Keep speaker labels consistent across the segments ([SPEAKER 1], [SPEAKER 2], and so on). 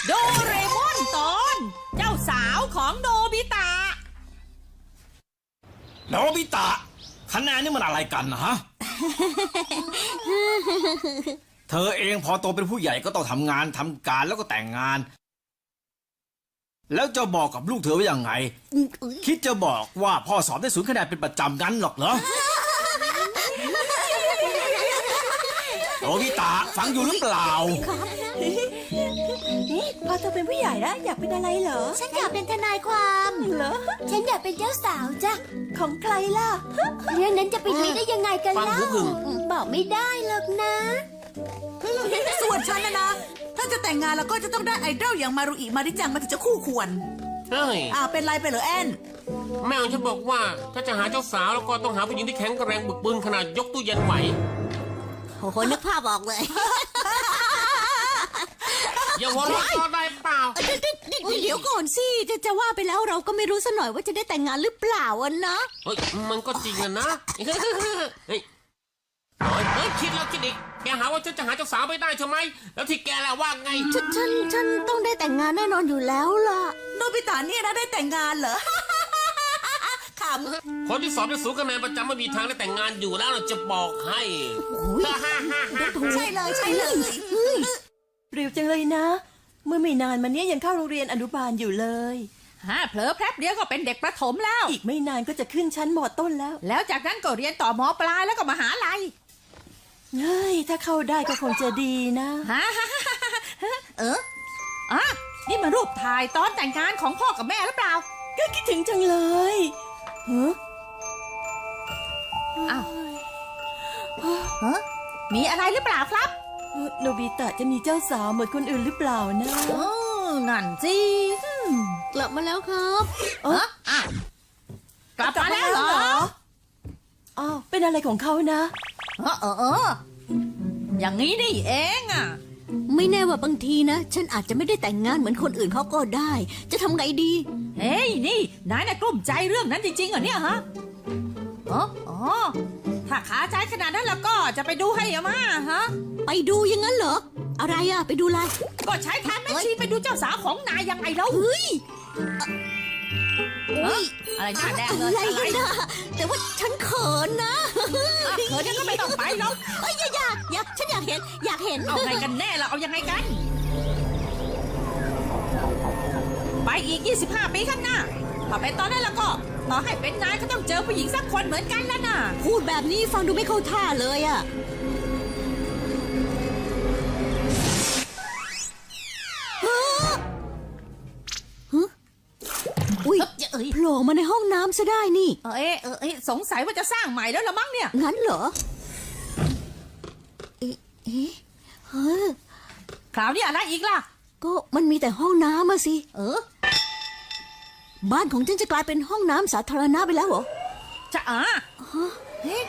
[SPEAKER 1] โดเรมอนตอนเจ้าสาวของโนบิตะ
[SPEAKER 2] โนบิตะคะแนนนี่มันอะไรกันนะฮะ เธอเองพอโตเป็นผู้ใหญ่ก็ต้องทำงานทำการแล้วก็แต่งงาน แล้วจะบอกกับลูกเธอว่ายังไง คิดจะบอกว่าพ่อสอบได้0 คะแนนเป็นประจำงั้นหรอกเหรอ โนบิตะฟังอยู่หรือเปล่า
[SPEAKER 3] พอเธอเป็นผู้ใหญ่แล้วอยากเป็นอะไรเหรอ
[SPEAKER 4] ฉันอยากเป็นทนายความ
[SPEAKER 3] เหรอ
[SPEAKER 4] ฉันอยากเป็นเจ้าสาวจ้ะ
[SPEAKER 3] ของใครล่ะ
[SPEAKER 4] เรื่องนั้นจะไปดีได้ยังไงกัน
[SPEAKER 5] ฟัง
[SPEAKER 4] เล่า
[SPEAKER 5] หูผึ่ง
[SPEAKER 4] บอกไม่ได้หรอกนะ
[SPEAKER 6] ส่วนฉันนะ ถ้าจะแต่งงานแล้วก็จะต้องได้ไอดอลอย่างมารุอิมาริจังมันถึงจะคู่ควร
[SPEAKER 5] เฮ้ย
[SPEAKER 6] เป็นไรไปเหรอแอน
[SPEAKER 5] แม่ของฉันบอกว่าถ้าจะหาเจ้าสาวแล้วก็ต้องหาผู้หญิงที่แข็งแรงบึกบึนขนาดยกตู้เย็นไหว
[SPEAKER 4] โอ้โหนึกภาพออกเลย
[SPEAKER 5] อย่าหัวเราะก็ได้เปล่า
[SPEAKER 4] เดี๋ยวก่อนสิจะว่าไปแล้วเราก็ไม่รู้ซะหน่อยว่าจะได้แต่งงานหรือเปล่าอ่ะนะ
[SPEAKER 5] เฮ้ยมันก็จริงอะนะ เฮ้ยคิดแล้วคิดอีกแกหาว่าฉันจะหาเจ้าสาวไม่ได้ใช่ไหมแล้วที่แกล่ะว่าไง
[SPEAKER 4] ฉันต้องได้แต่งงานแน่นอนอยู่แล้วล่ะ
[SPEAKER 6] โนบิตะเนี่ยนะได้แต่งงานเหรอ ข
[SPEAKER 5] คนที่สอบได้0 คะแนนประจำไม่มีทางได้แต่งงานอยู่แล้วเราจะบอกให้
[SPEAKER 6] ำใช่เลยใช่เลย
[SPEAKER 3] เร็วจังเลยนะ เมื่อไม่นานมาเนี้ยยังเข้าโรงเรียนอนุบาลอยู่เลย
[SPEAKER 1] เผลอแป๊บเดียวก็เป็นเด็กประถมแล้ว
[SPEAKER 3] อีกไม่นานก็จะขึ้นชั้นม.ต้นแล้ว
[SPEAKER 1] แล้วจากนั้นก็เรียนต่อมปลายแล้วก็มหาลัย
[SPEAKER 3] เฮ้ย ถ้าเข้าได้ก็คงจะดีนะ
[SPEAKER 1] นี่มันรูปถ่ายตอนแต่งงานของพ่อกับแม่หรือเปล่า
[SPEAKER 3] ก็คิดถึงจังเลยฮะ
[SPEAKER 1] อ้าว มีอะไรหรือเปล่าครับ
[SPEAKER 3] โนบิตะจะมีเจ้าสาวเหมือนคนอื่นหรือเปล่านะ
[SPEAKER 1] นั่นสิ
[SPEAKER 4] กลับมาแล้วครับ
[SPEAKER 1] กลับมาแล้วเหรอ
[SPEAKER 3] อ้าวเป็นอะไรของเขานะ
[SPEAKER 1] อย่างนี้นี่เองอ่ะ
[SPEAKER 4] ไม่แน่ว่าบางทีนะ ฉันอาจจะไม่ได้แต่งงานเหมือนคนอื่นเขาก็ได้ จะทำไงดี
[SPEAKER 1] เฮ้ยนี่นายน่ะกลุ้มใจเรื่องนั้นจริงๆเหรอเนี่ยฮะถ้าขาใจขนาดนั้นแล้วก็จะไปดูให้อาม่าฮะ
[SPEAKER 4] ไปดูอย่างนั้นเหรอ อะไรอะไปดูอะไร
[SPEAKER 1] ก็ใช้ทางแม่ชีไปดูเจ้าสาวของนายยังไงแล้ว
[SPEAKER 4] เฮ้ย
[SPEAKER 1] อะไรหน้าแดงเล
[SPEAKER 4] อะไร
[SPEAKER 1] ยอะไร
[SPEAKER 4] กันนะแต่ว่าฉันเขินนะ
[SPEAKER 1] เขินก็ไม่ต้องไปหรอก
[SPEAKER 4] เอ้ยอยากฉันอยากเห็น
[SPEAKER 1] เอาไงกันแน่ล่ะเอายังไงกัน ไปอีก 25 ปีข้างหน้าถ้าเป็นตอนนั้นแล้วก็ต่อให้เป็นนายก็ต้องเจอผู้หญิงสักคนเหมือนกันแล้วนะ
[SPEAKER 4] พูดแบบนี้ฟังดูไม่เข้าท่าเลยอะอุ้ยโผล่มาในห้องน้ำซะได้นี่
[SPEAKER 1] สงสัยว่าจะสร้างใหม่แล้วละมั้งเนี่ย
[SPEAKER 4] งั้นเหรอ เฮ้อ
[SPEAKER 1] คราวนี้อะไรอีกล่ะ
[SPEAKER 4] ก็มันมีแต่ห้องน้ำมาสิ บ้านของฉันจะกลายเป็นห้องน้ำสาธารณะไปแล้วเหรอ
[SPEAKER 1] จะเฮ้ย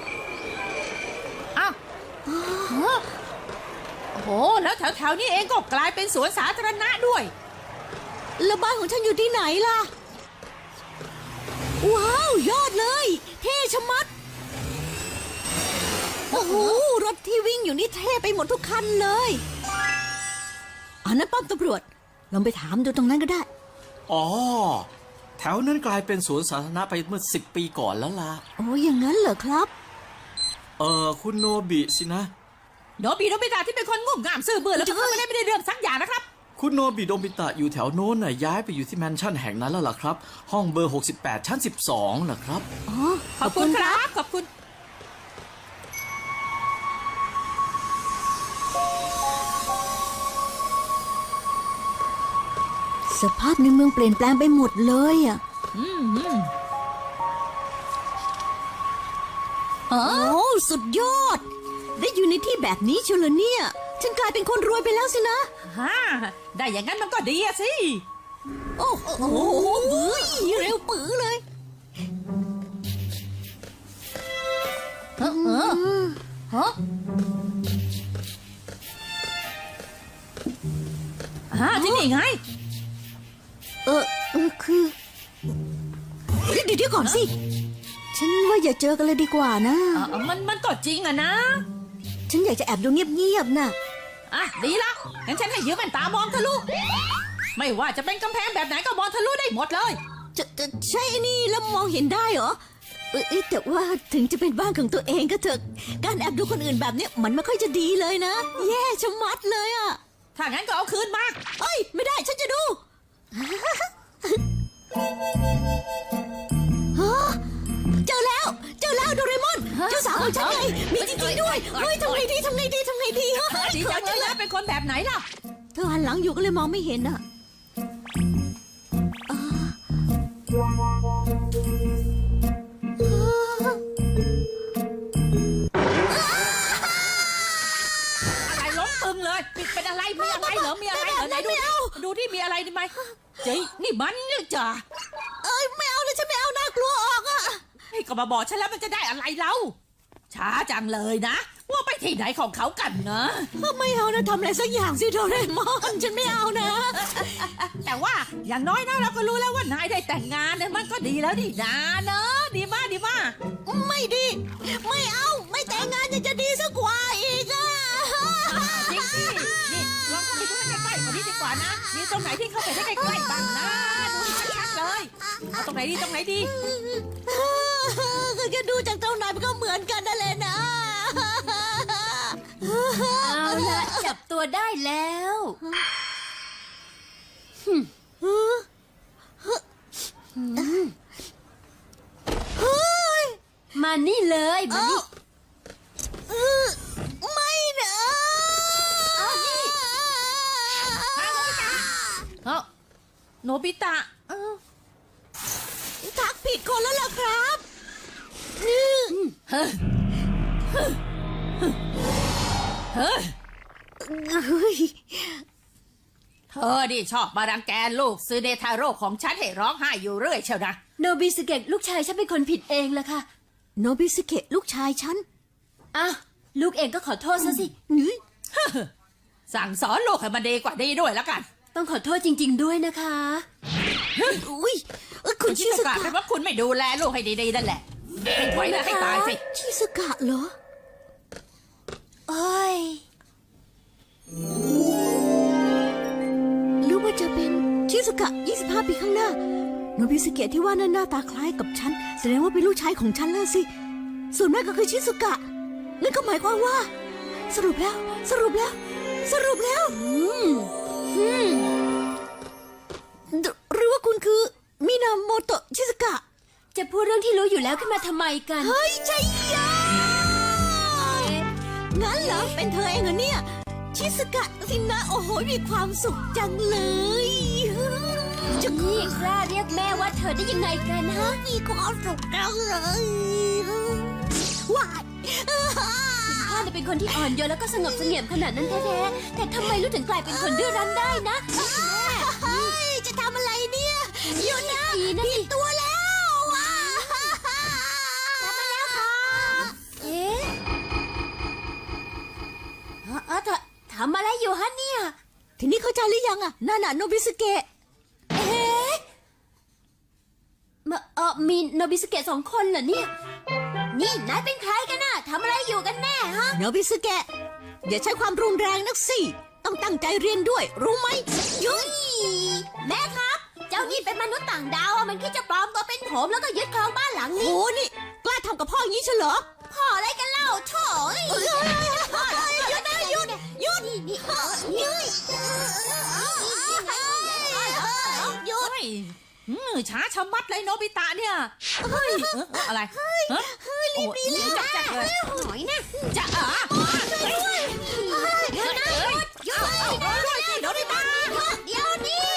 [SPEAKER 1] อ้าวโอ้โหแล้วแถวๆนี้เองก็กลายเป็นสวนสาธารณะด้วย
[SPEAKER 4] แล้วบ้านของฉันอยู่ที่ไหนล่ะ ว้าวยอดเลย เท่ชะมัด โอ้โห รถที่วิ่งอยู่นี่เท่ไปหมดทุกคันเลยอันนั้นป้อมตำรวจ ลองไปถามดูตรงนั้นก็ได้
[SPEAKER 2] อ๋อ แถวนั้นกลายเป็นสวนสาธารณะไปเมื่อ10 ปีก่อนแล้วล่ะ
[SPEAKER 4] โอ้อย่างนั้นเหรอครับ
[SPEAKER 2] คุณโนบิสินะ
[SPEAKER 1] โนบิตะที่เป็นคนงุ่มง่ามซื่อเบื่อแล้วก็ทำอะไรไม่ได้เรื่องสักอย่างนะครับ
[SPEAKER 2] คุณโนบิโดบิตะอยู่แถวโน้นน่ะย้ายไปอยู่ที่แมนชั่นแห่งนั้นแล้วล่ะครับ ห้องเบอร์ 68 ชั้น 12 นะครับ
[SPEAKER 4] อ๋อ
[SPEAKER 1] ขอบคุณครับ ขอบคุณ
[SPEAKER 4] สภาพในเมืองเปลี่ยนแปลงไปหมดเลยอ่ะโอ้สุดยอด ได้อยู่ในที่แบบนี้เชียวเหรอเนี่ย ฉันกลายเป็นคนรวยไปแล้วสินะ
[SPEAKER 1] ได้อย่างนั้นมันก็ดีอะสิ
[SPEAKER 4] โอ้โหเร็วปื้อเลย
[SPEAKER 1] ที่นี่ไง
[SPEAKER 4] คือเดี๋ยวก่อนสิ ฉันว่าอย่าเจอกันเลยดีกว่านะ
[SPEAKER 1] มันก็จริงอะนะ
[SPEAKER 4] ฉันอยากจะแอบดูเงียบๆน่ะ
[SPEAKER 1] อ่ะดีละงั้นฉันให้ยืมแว่นตามองทะลุไม่ว่าจะเป็นกำแพงแบบไหนก็มองทะลุได้หมดเลย
[SPEAKER 4] จะใช่นี่แล้วมองเห็นได้เหรอแต่ว่าถึงจะเป็นบ้านของตัวเองก็เถอะการแอบดูคนอื่นแบบเนี้ยมันไม่ค่อยจะดีเลยนะ แย่ชะมัดเลยอะ
[SPEAKER 1] ถ้างั้นก็เอาคืนมา
[SPEAKER 4] เอ้ยไม่ได้ฉันจะดูฮะเจอแล้วโดเรมอนเจ้าสาวของฉันไงมีจริงๆด้วยเฮ้ยทำไงดีฮะ
[SPEAKER 1] ดีจังเลยนะเป็นคนแบบไหนล่ะ
[SPEAKER 4] เธอหันหลังอยู่ก็เลยมองไม่เห็นอะ
[SPEAKER 1] อะไรล้มตึงเลยเป็นอะไรมีอะไรเหรอมีอะไรเหรอไหนดูที่มีอะไรดีไหมเจ๊นี่มันเนี่ยจ้ะ
[SPEAKER 4] เอ้ยไม่เอาเลยฉันไม่เอาน่ากลัวออกอะ
[SPEAKER 1] ให้ก็มาบอกฉันแล้วมันจะได้อะไรเล่าช้าจังเลยนะว่าไปที่ไหนของเขากันนะ
[SPEAKER 4] ไม่เอานะทำอะไรสักอย่างสิโดเรมอนฉันไม่เอานะ
[SPEAKER 1] แต่ว่าอย่างน้อยนะเราก็รู้แล้วว่านายได้แต่งงานเนี่ยมันก็ดีแล้วดีนะเนอะดีมาก
[SPEAKER 4] ไม่ดี ไม่เอาไม่แต่งงานยังจะดีสักกว่าอีกอะ
[SPEAKER 1] จริงสินี่ลองเข้าไปดูให้ใกล้ๆกว่านี้ดีกว่านะมีตรงไหนที่เข้าไปได้ใกล้ๆบ้างนะดูให้ชัดๆเลยเอาตรงไหนดี
[SPEAKER 4] ก็แค่ดูจากตรงไหนมันก็เหมือนกันนั่นแหละนะ
[SPEAKER 7] เอาละจับตัวได้แล้ว มานี่เลยมานี่
[SPEAKER 4] ไม่นะ
[SPEAKER 1] เอ้าโนบิตะ
[SPEAKER 4] ทักผิดคนแล้วล่ะครับ
[SPEAKER 1] เฮ้ย
[SPEAKER 4] เฮ้ย
[SPEAKER 1] เธอดิชอบมารังแกลูกซูเนทาโร่ของฉันให้ร้องไห้อยู่เรื่อยเชียวนะ
[SPEAKER 7] โนบิสเกะลูกชายฉันเป็นคนผิดเองละค่ะ
[SPEAKER 4] โนบิสเกะลูกชายฉัน
[SPEAKER 7] อ่ะลูกเองก็ขอโทษซะสิ
[SPEAKER 4] นี่
[SPEAKER 1] สั่งสอนลูกให้มันดีกว่านี้ด้วยแล้วกัน
[SPEAKER 7] ต้องขอโทษจริง ๆด้วยนะคะ
[SPEAKER 4] อุ้ยคุณ
[SPEAKER 1] ชิ
[SPEAKER 4] ชิ
[SPEAKER 1] ส
[SPEAKER 4] ส
[SPEAKER 1] กะ
[SPEAKER 4] กะ
[SPEAKER 1] เป็นว่าคุณไม่ดูแลลูกให้ดีๆนั่นแหละให้ไว้นะให้ตายสิ
[SPEAKER 4] ชิสกะเหรอ
[SPEAKER 7] โอ้ย
[SPEAKER 4] หรือว่าจะเป็นชิสกะ25 ปีข้างหน้า โนบิสเกะที่ว่านั้นหน้าตาคล้ายกับฉัน แสดงว่าเป็นลูกชายของฉันแล้วสิ ส่วนแม่ก็คือชิสกะ นั่นก็หมายความว่า สรุปแล้ว หรือว่าคุณคือมินาโมโตะชิสกะ
[SPEAKER 7] จะพูดเรื่องที่รู้อยู่แล้วขึ้นมาทำไมกัน
[SPEAKER 4] เฮ้ยใช่ยางั้นเหรอ เป็นเธอเองเหรอเนี่ย ชิสกะสินะโอ้โห มีความสุขจังเลยจะ
[SPEAKER 7] นี่กล้าเรียกแม่ว่าเธอได้ยังไงกันฮะ
[SPEAKER 4] มีความสุขจังเลยว้าย
[SPEAKER 7] พ่อเป็นคนที่อ่อนโยนแล้วก็สงบเสงี่ยมขนาดนั้นแท้ๆแต่ทำไมลูกถึงกลายเป็นคนดื้อรั้นได้นะ
[SPEAKER 4] เฮ้ยจะทำอะไรเนี่ยหยุดนะ
[SPEAKER 7] ดีนะ
[SPEAKER 4] ผิดตัวแล้วอ่ะ
[SPEAKER 7] เอ๊ะทำอะไรอยู่ฮะเนี่ย
[SPEAKER 4] ทีนี้เข้าใจหรือยังอ่ะนั่นน่ะโนบิสเกะ
[SPEAKER 7] เอ๊ะมีโนบิสเกะสองคนเหรอเนี่ย นี่นายเป็นใครกันน่ะทำอะไรอยู่กันแน่ฮะ
[SPEAKER 4] โนบิสเกะอย่าใช้ความรุนแรงนักสิต้องตั้งใจเรียนด้วย รู้ไหมยุ้ย
[SPEAKER 7] แม่ครับ เจ้านี่เป็นมนุษย์ต่างดาวอะมันคิดจะปลอมตัวเป็นผมแล้วก็ยึดครองบ้านหลัง
[SPEAKER 4] โห
[SPEAKER 7] นี้
[SPEAKER 4] นี่กล้าทำกับพ่ออย่างนี้เฉลอ
[SPEAKER 7] พ่ออะไรกันเล่าโถ่ย
[SPEAKER 4] หยุดนะหยุด
[SPEAKER 7] นี่
[SPEAKER 4] หยุด
[SPEAKER 1] เฮ้ยช้าชะมัดเลยโนบิตะเนี่ยเฮ้ยอะไรฮะรีบจับเลย
[SPEAKER 7] หน่อยนะ
[SPEAKER 1] จะ
[SPEAKER 7] เดี๋ยวนะหยุด
[SPEAKER 1] ด้วยสิโนบิตะ
[SPEAKER 7] เดี๋ยวนี้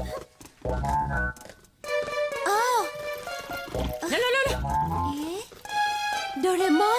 [SPEAKER 7] อ้าว
[SPEAKER 1] เร็ว
[SPEAKER 7] เอ๊ะโดเรมอน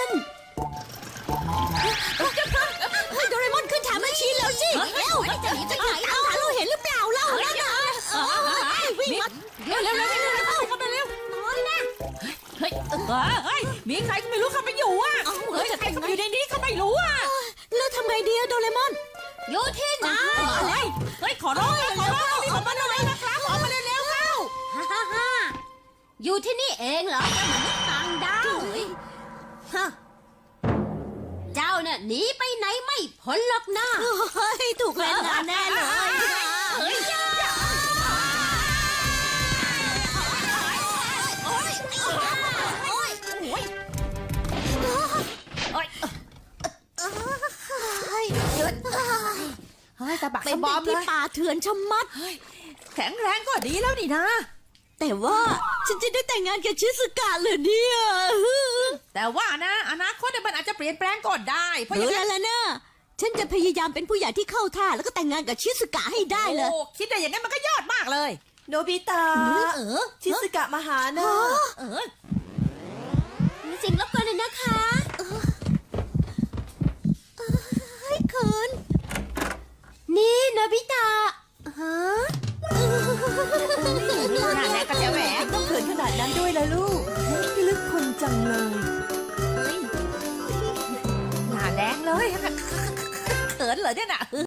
[SPEAKER 4] โดเรมอนขึ้นถามแม่ชีแล้วสิเร็วจะหนีไปไหนเอาเราเห็นหรือเปล่าเล่านั่นน่ะวิ่งมา
[SPEAKER 1] เร็วเข้าไปเร็วเฮ้ยมีใครก็ไม่รู้เข้าไปอยู่อ่ะเฮ้ยใครเข้าไปอยู่ในนี้ก็ไม่รู้อ่ะ
[SPEAKER 4] แล้วทำไงดีอะโดเรมอน
[SPEAKER 7] อยู่ที่ไหน
[SPEAKER 1] เฮ้ยขอร้องรีบออกมาเลยนะครับออกมาเร็วเข้า
[SPEAKER 7] ฮ่าอยู่ที่นี่เองเหรอเจ้ามนุษย์ต่างดาวฮะเจ้าน่ะะหนีไปไหนไม่พ้นหรอกนะ
[SPEAKER 4] เฮ้ย ถูกเล่นงานแน่เลย
[SPEAKER 1] เฮ้ยตะบัก
[SPEAKER 4] เป็น
[SPEAKER 1] สะบ
[SPEAKER 4] เด็
[SPEAKER 1] อก มเล
[SPEAKER 4] ที่
[SPEAKER 1] ย
[SPEAKER 4] ป่าเถื่อนชะมัด
[SPEAKER 1] แข็งแรงก็ดีแล้วนี่นะ
[SPEAKER 4] แต่ว่าฉันจะได้แต่งงานกับชิสุกะเหรอเนี่ย
[SPEAKER 1] แต่ว่านะอนาคตเนี่ยมันอาจจะเปลี่ยนแปลงก็ได้เพราะอ
[SPEAKER 4] รู้
[SPEAKER 1] ย่าง
[SPEAKER 4] แล้
[SPEAKER 1] นั้
[SPEAKER 4] วน ล่ะนะฉันจะพยายามเป็นผู้ใหญ่ที่เข้าท่าแล้วก็แต่งงานกับชิสุกะให้ได้เลย
[SPEAKER 1] โอ้คิดได้อย่างนั้นมันก็ยอดมากเลย
[SPEAKER 3] โนบิตะชิสกะมาหานะ
[SPEAKER 1] เออ
[SPEAKER 7] เสียงรบกวนเลยนะคะ
[SPEAKER 4] ให้เขิน
[SPEAKER 7] นี่โนบิตะฮะ
[SPEAKER 1] หน้าแดงก็จะแหวก
[SPEAKER 3] ต้องเขินขนาดนั้นด้วยล่ะลูกพี่ลึกคนจังเลย
[SPEAKER 1] หน้าแดงเลยเขินเหรอเนี่ยน่ะ